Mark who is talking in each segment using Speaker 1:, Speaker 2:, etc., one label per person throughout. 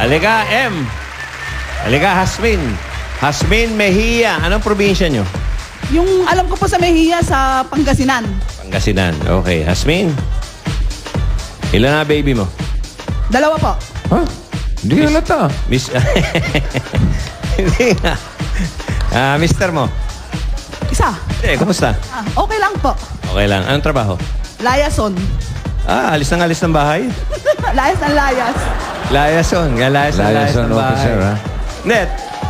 Speaker 1: Halika, M. Halika, Hasmin. Hasmin Mejia. Anong probinsya nyo?
Speaker 2: Yung alam ko po sa Mejia, sa Pangasinan.
Speaker 1: Pangasinan. Okay. Hasmin. Ilan na baby mo?
Speaker 2: 2 po.
Speaker 3: Ha? Hindi halata.
Speaker 1: Miss... Hindi nga. Mister mo?
Speaker 2: Isa.
Speaker 1: Kumusta?
Speaker 2: Okay lang po.
Speaker 1: Okay lang. Anong trabaho?
Speaker 2: Layason.
Speaker 1: Alis ng bahay?
Speaker 2: Layas ng layas.
Speaker 1: Layason. Layas
Speaker 3: Liaison
Speaker 1: ng bahay.
Speaker 3: officer, ha?
Speaker 1: Net.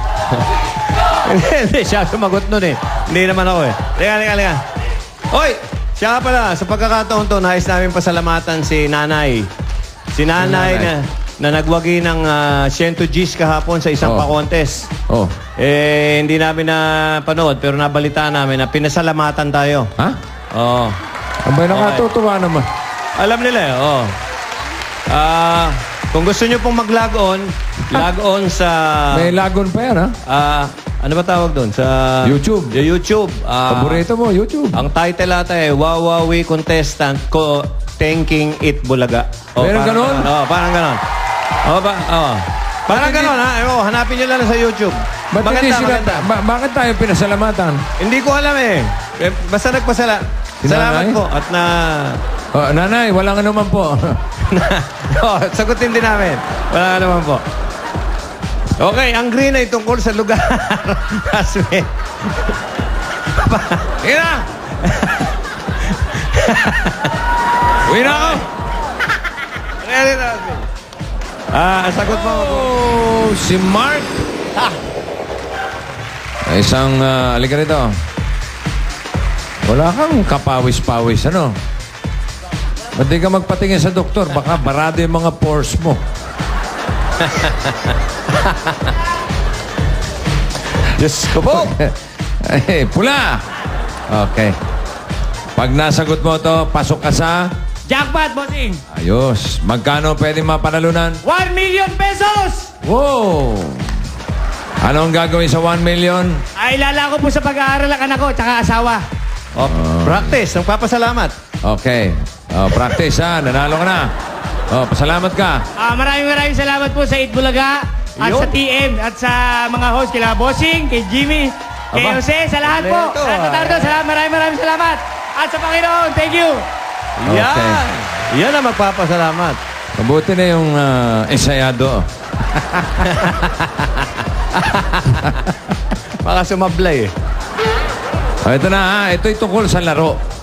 Speaker 1: Hindi, siya sumagot nun eh. Hindi naman ako eh. Liga. Hoy! Siya nga pala, sa pagkakataon to, nais namin pasalamatan si Nanay. Si Nanay na nagwagi ng 100 Gs kahapon sa isang pa-contest.
Speaker 3: Oh.
Speaker 1: Hindi namin napanood, pero nabalita namin na pinasalamatan tayo.
Speaker 3: Ha?
Speaker 1: Oo.
Speaker 3: Abay, nakatutuwa naman.
Speaker 1: Alam nila eh, oo. Kung gusto nyo pong mag-log on sa...
Speaker 3: May lagon pa yan, ha?
Speaker 1: Ano ba tawag doon? Sa...
Speaker 3: YouTube.
Speaker 1: Sa YouTube.
Speaker 3: Paborito mo, YouTube.
Speaker 1: Ang title ata eh, Wawawi Contestant ko Thanking It Bulaga.
Speaker 3: Meron ganon?
Speaker 1: Oo, parang ganon. Parang ganon, ha? Hanapin nyo lang sa YouTube.
Speaker 3: Ba't hindi sila,
Speaker 1: Maganda.
Speaker 3: bakit tayo pinasalamatan?
Speaker 1: Hindi ko alam eh. Basta Salamat
Speaker 3: Nanay?
Speaker 1: po at na...
Speaker 3: Oh, nanay, walang anuman po.
Speaker 1: Sagutin din namin. Wala naman po. Okay, ang green ay tungkol sa lugar. Asmin. Ina! Uwi na ako! Ready na, Asmin. Sagot mo.
Speaker 3: Oh, si Mark. Isang, alika rito. Wala kang kapawis-pawis, ano? Ba't di ka magpatingin sa doktor? Baka barado yung mga pores mo.
Speaker 1: Diyos ko po.
Speaker 3: Eh, pula. Okay. Pag nasagot mo to, pasok ka sa...
Speaker 4: Jackpot, bossing!
Speaker 3: Ayos. Magkano pwede mapanalunan?
Speaker 4: 1 million pesos!
Speaker 3: Wow! Anong gagawin sa 1 million?
Speaker 4: Ay, lala ko po sa pag-aaral ang anak ko, tsaka asawa.
Speaker 1: Practice. Nagpapasalamat.
Speaker 3: Okay. Practice, ha? Nanalo ka na. Pasalamat ka.
Speaker 4: Maraming salamat po sa Itbulaga at
Speaker 1: Yun.
Speaker 4: sa TM at sa mga host, kila Bossing, kay Jimmy, kay
Speaker 1: Aba.
Speaker 4: Jose, sa lahat po.
Speaker 1: Kompleto,
Speaker 4: Sa Tatardo, maraming salamat. At sa Panginoon, thank you.
Speaker 3: Okay.
Speaker 1: Yan ang magpapasalamat.
Speaker 3: Mabuti na yung ensayado.
Speaker 1: Baka sumablay eh.
Speaker 3: Ito na, ha? Ito'y tungkol sa laro.